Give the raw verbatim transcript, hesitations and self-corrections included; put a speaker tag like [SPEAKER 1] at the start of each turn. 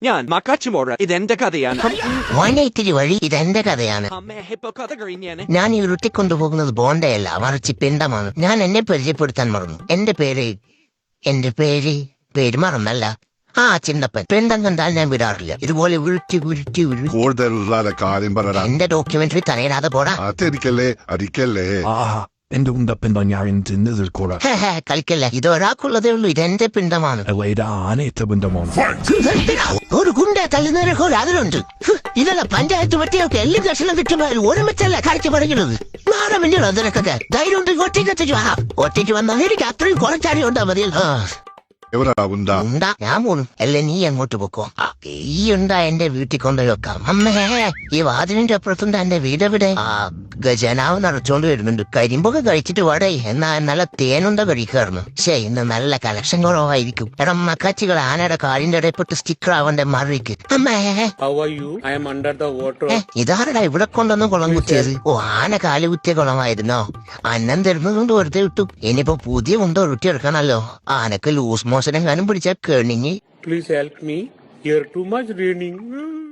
[SPEAKER 1] ഞാൻ മക്കാച്ചുമോറ ഇതെന്റെ കഥയാണ്.
[SPEAKER 2] മോനെ ഇത്തിരി വഴി ഇതെന്റെ കഥയാണ്.
[SPEAKER 1] അമ്മേ ഇപ്പൊ കഥ കഴിഞ്ഞാണ്.
[SPEAKER 2] ഞാൻ ഈ ഉരുട്ടിക്കൊണ്ടുപോകുന്നത് ബോണ്ടയല്ല, മറിച്ച് പിണ്ടമാണ്. ഞാൻ എന്നെ പരിചയപ്പെടുത്താൻ മറന്നു. എന്റെ പേര് എന്റെ പേര് പേര് മറന്നല്ല. ആ ചിന്തപ്പൻ. പിണ്ടം കണ്ടാൽ ഞാൻ വിടാറില്ല. ഇതുപോലെ ഉരുട്ടി ഉരുട്ടി ഉരുട്ടി
[SPEAKER 3] കൂടുതലുള്ള കാര്യം പറ.
[SPEAKER 2] എന്റെ ഡോക്യുമെന്ററി തനയിടാതെ പോടാ.
[SPEAKER 3] അതെനിക്കല്ലേ അടിക്കല്ലേ.
[SPEAKER 4] ആഹാ, എന്റെ ഉണ്ടപ്പൻ ഞാൻ തിന്നതിൽ കൂടെ
[SPEAKER 2] കളിക്കല്ല. ഇത് ഒരാൾക്കുള്ളതേ ഉള്ളൂ. ഇതെന്റെ പിണ്ടമാണ്.
[SPEAKER 4] ഇത് ആനയത്തെ ബന്ധമാണ്.
[SPEAKER 2] ഒരു ഗുണ്ട തള്ളുന്നവരൊക്കെ അതിലുണ്ട്. ഇതല്ല പഞ്ചായത്ത് പറ്റിയൊക്കെ എല്ലാ ദർശനം കിട്ടുമ്പോൾ ഒരുമിച്ചല്ല കാഴ്ച പറയുന്നത്. മാറാൻ വേണ്ടിയുള്ള അതിനൊക്കെ ധൈര്യം ഉണ്ട്. ഒറ്റയ്ക്ക് ഒറ്റയ്ക്ക് വന്നാൽ എനിക്ക് അത്രയും കുറച്ചാടി ഉണ്ടാ മതിയല്ലോ.
[SPEAKER 3] ഉണ്ടാ
[SPEAKER 2] ഞാൻ പോണു. അല്ല നീ അങ്ങോട്ട് പൊക്കോ. ഈ ഉണ്ടാ എന്റെ വീട്ടിൽ കൊണ്ടുപോയി വെക്കാം. അമ്മേ, ഈ വാതിലിന്റെ അപ്പുറത്തുണ്ട് എന്റെ വീടെവിടെ? ആ ഗജനാവ് നിറച്ചോണ്ട് വരുന്നുണ്ട്. കരിമ്പൊക്കെ കഴിച്ചിട്ട് വടേ. എന്നാ നല്ല തേനുണ്ട കഴിക്കാറുന്നു. ശേ, ഇന്ന് നല്ല കളക്ഷൻ കുറവായിരിക്കും. എടാ മക്കാച്ചികൾ ആനയുടെ കാലിന്റെ ഇടയിൽപ്പെട്ട് സ്റ്റിക്കർ ആവന്റെ മറിക്ക്. അമ്മേ, ഇതാരടാ ഇവിടെ കൊണ്ടൊന്നും കുളം കുത്തിയത്? ഓ, ആന കാല് കുത്തിയ കുളമായിരുന്നോ? അന്നം തരുന്നതുകൊണ്ട് വെറുതെ വിട്ടു. ഇനിയിപ്പോ പുതിയ കൊണ്ടോ റൊട്ടി എടുക്കണല്ലോ. ആനക്ക് ലൂസ് മോശനം കാനും പിടിച്ചാൽ കേണിഞ്ഞ്.
[SPEAKER 5] Please help me. Here too much raining.